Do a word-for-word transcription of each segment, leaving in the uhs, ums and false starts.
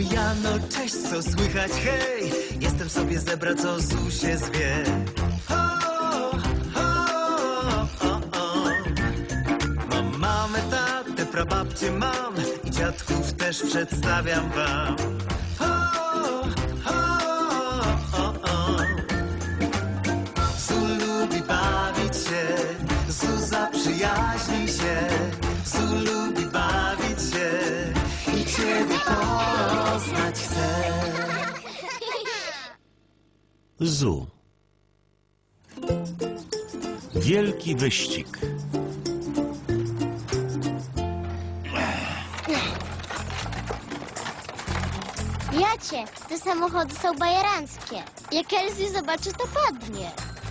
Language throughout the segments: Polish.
Jano, cześć, co słychać, hej? Jestem sobie zebra, co Zu się zwie. Ho, ho, o, o. Mam mamę, tatę, prababcię mam i dziadków też przedstawiam wam. Ho, ho, o, o. Zu lubi bawić się, Zu zaprzyjaźni się, Zu lubi bawić się i ciebie poznać chcę. Zu. Wielki wyścig. Jacie, te samochody są bajeranckie. Jak Elzy zobaczy, to padnie.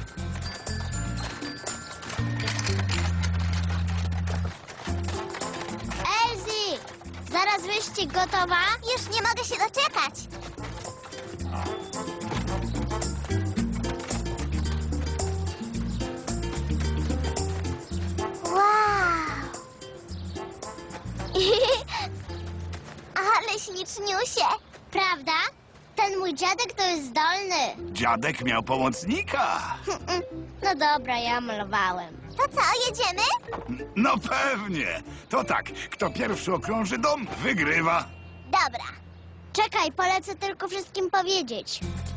Elzy! Zaraz wyścig, gotowa? Już nie mogę się doczekać. Wow! Ale śliczniusie. Prawda? Ten mój dziadek to jest zdolny. Dziadek miał pomocnika. No dobra, ja malowałem. To co, jedziemy? No pewnie. To tak, kto pierwszy okrąży dom, wygrywa. Dobra. Czekaj, polecę tylko wszystkim powiedzieć.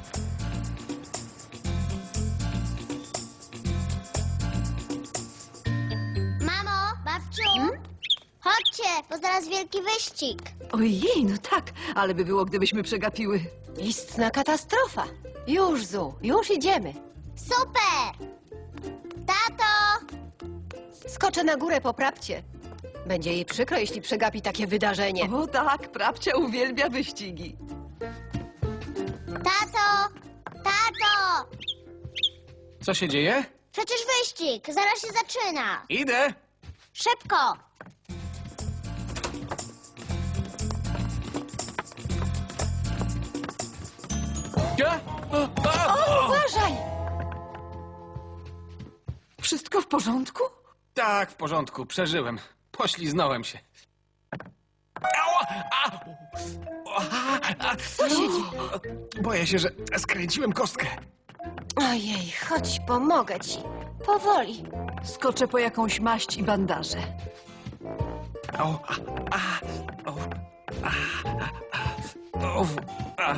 Mamo, babciu, chodźcie, bo zaraz wielki wyścig. Ojej, no tak, ale by było, gdybyśmy przegapiły. Istna katastrofa. Już, Zu, już idziemy. Super! Tato! Skoczę na górę po prabcie. Będzie jej przykro, jeśli przegapi takie wydarzenie. O tak, prabcia uwielbia wyścigi. Tato! Tato! Co się dzieje? Przecież wyścig, zaraz się zaczyna. Idę! Szybko! Ja? O, a, o. Uważaj! Wszystko w porządku? Tak, w porządku, przeżyłem. Pośliznąłem się. Ała! A! A! A! Co się dzieje? Boję się, że skręciłem kostkę. Ojej, chodź, pomogę ci. Powoli. Skoczę po jakąś maść i bandaże. O, a, a, o, a, a, a, o, a.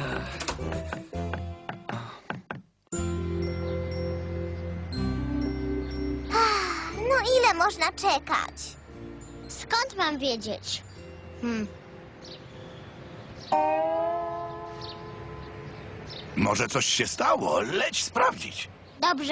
No ile można czekać? Skąd mam wiedzieć? Hmm. Może coś się stało, leć sprawdzić. Dobrze.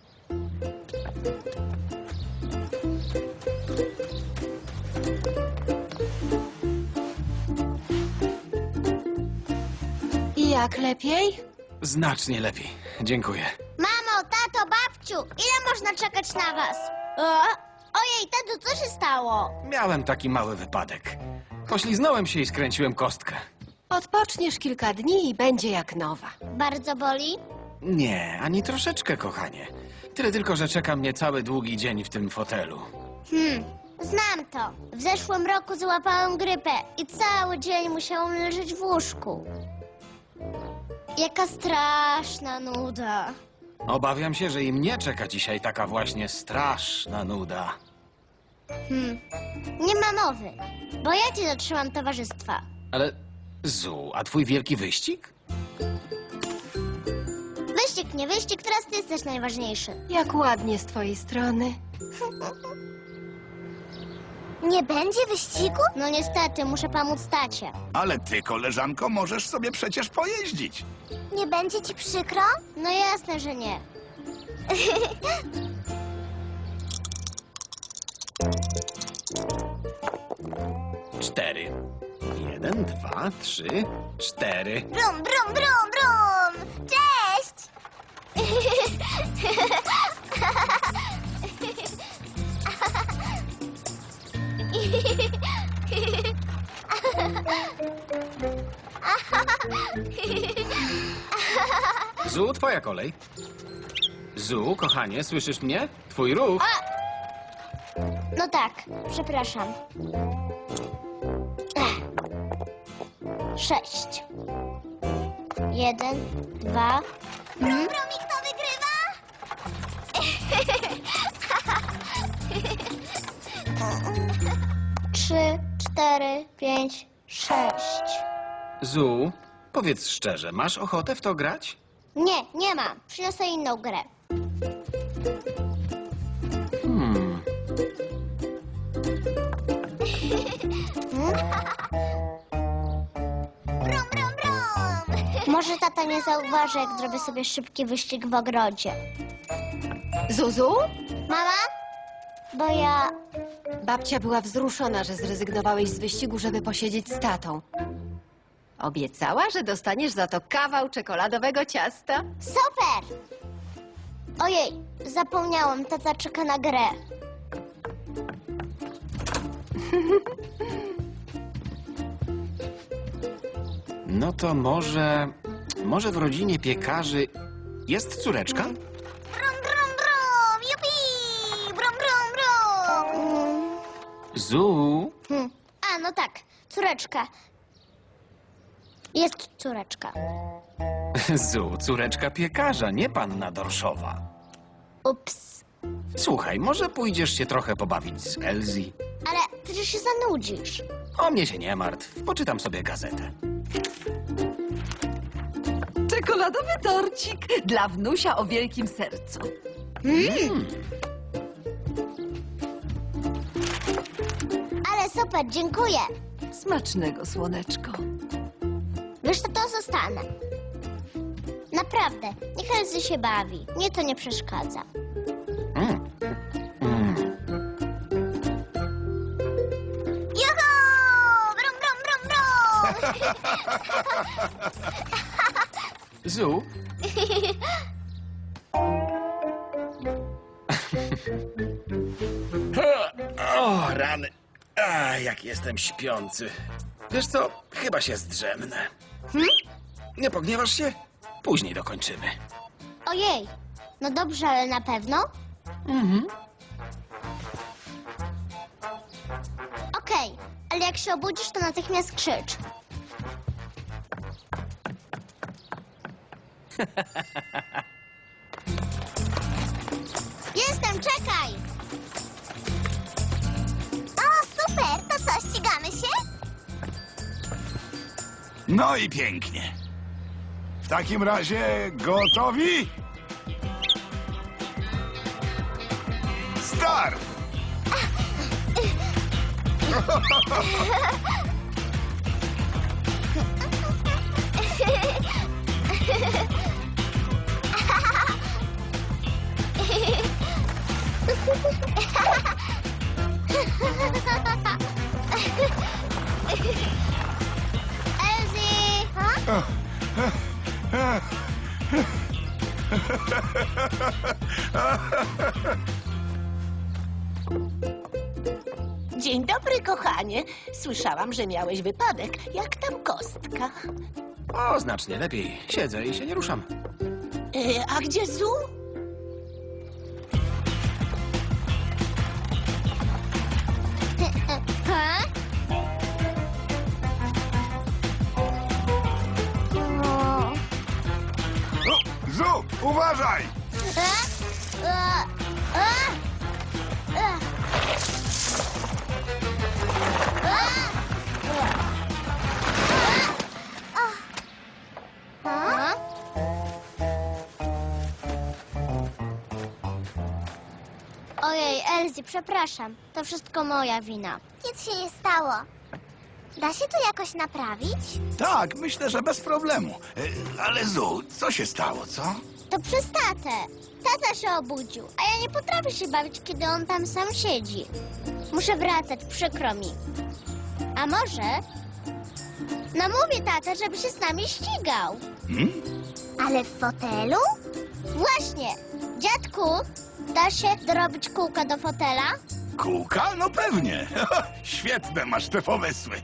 I jak, lepiej? Znacznie lepiej, dziękuję. Mamo, tato, babciu, ile można czekać na was? O? Ojej, tato, co się stało? Miałem taki mały wypadek. Pośliznąłem się i skręciłem kostkę. Odpoczniesz kilka dni i będzie jak nowa. Bardzo boli? Nie, ani troszeczkę, kochanie. Tyle tylko, że czeka mnie cały długi dzień w tym fotelu. Hmm, znam to. W zeszłym roku złapałem grypę i cały dzień musiałam leżeć w łóżku. Jaka straszna nuda. Obawiam się, że i mnie czeka dzisiaj taka właśnie straszna nuda. Hmm, nie ma mowy, bo ja ci dotrzymam towarzystwa. Ale, Zu, a twój wielki wyścig? Wyścig, nie wyścig, teraz ty jesteś najważniejszy. Jak ładnie z twojej strony. Nie będzie wyścigu? No niestety, muszę pomóc tacie. Ale ty, koleżanko, możesz sobie przecież pojeździć. Nie będzie ci przykro? No jasne, że nie. Cztery. Jeden, dwa, trzy, cztery. Brum, brum, brum, brum! Cześć! Zu, twoja kolej. Zu, kochanie, słyszysz mnie? Twój ruch. No tak, przepraszam. Ech. sześć. Jeden, dwa. Brum, brum, i kto wygrywa? Trzy, cztery, pięć, sześć. Zu, powiedz szczerze, masz ochotę w to grać? Nie, nie mam. Przyniosę inną grę. Hmm. Brum, brum, brum. Może tata nie zauważy, jak zrobię sobie szybki wyścig w ogrodzie. Zuzu? Mama? Bo ja... Babcia była wzruszona, że zrezygnowałeś z wyścigu, żeby posiedzieć z tatą. Obiecała, że dostaniesz za to kawał czekoladowego ciasta. Super! Ojej, zapomniałam. Tata czeka na grę. No to może... Może w rodzinie piekarzy jest córeczka? Brum, brum, brum! Jupi! Brum, brum, brum! Zu, Hmm. A, no tak. Córeczka. Jest córeczka. Zu, córeczka piekarza, nie panna Dorszowa. Ups. Słuchaj, może pójdziesz się trochę pobawić z Elzi? Ale przecież się zanudzisz. O mnie się nie martw, poczytam sobie gazetę. Czekoladowy torcik dla wnusia o wielkim sercu. Ale super, dziękuję. Smacznego, słoneczko. Wiesz co, to zostanę. Naprawdę, niech Elzy się bawi. Mnie to nie przeszkadza. Mm. Mm. Juhu! Brum, brum, brum, brum! Zu? O, rany. A, jak jestem śpiący. Wiesz co? Chyba się zdrzemnę. Hmm? Nie pogniewasz się? Później dokończymy. Ojej, no dobrze, ale na pewno? Mhm. Okej, ale jak się obudzisz, to natychmiast krzycz. Jestem, czekaj! O, super! To co, ścigamy się? No i pięknie. W takim razie gotowi? Start! Elzy! Dzień dobry, kochanie. Słyszałam, że miałeś wypadek. Jak tam kostka? O, znacznie lepiej. Siedzę i się nie ruszam. E, a gdzie Zu? Ha? O. O, Zu, uważaj! E? E? E? E? A? Ojej, Elzy, przepraszam. To wszystko moja wina. Nic się nie stało. Da się to jakoś naprawić? Tak, myślę, że bez problemu. E, Ale Zu, co się stało, co? To przez tatę. Tata się obudził, a ja nie potrafię się bawić, kiedy on tam sam siedzi. Muszę wracać, przykro mi. A może namówię tatę, żeby się z nami ścigał. Hmm? Ale w fotelu? Właśnie. Dziadku, da się dorobić kółka do fotela? Kółka? No pewnie. Świetne masz te pomysły.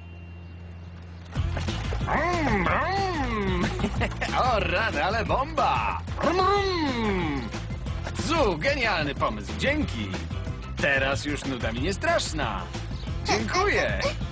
Brum, brum. O, rany, ale bomba! Brum, brum. Zu, genialny pomysł, dzięki. Teraz już nuda mi nie straszna. Dziękuję.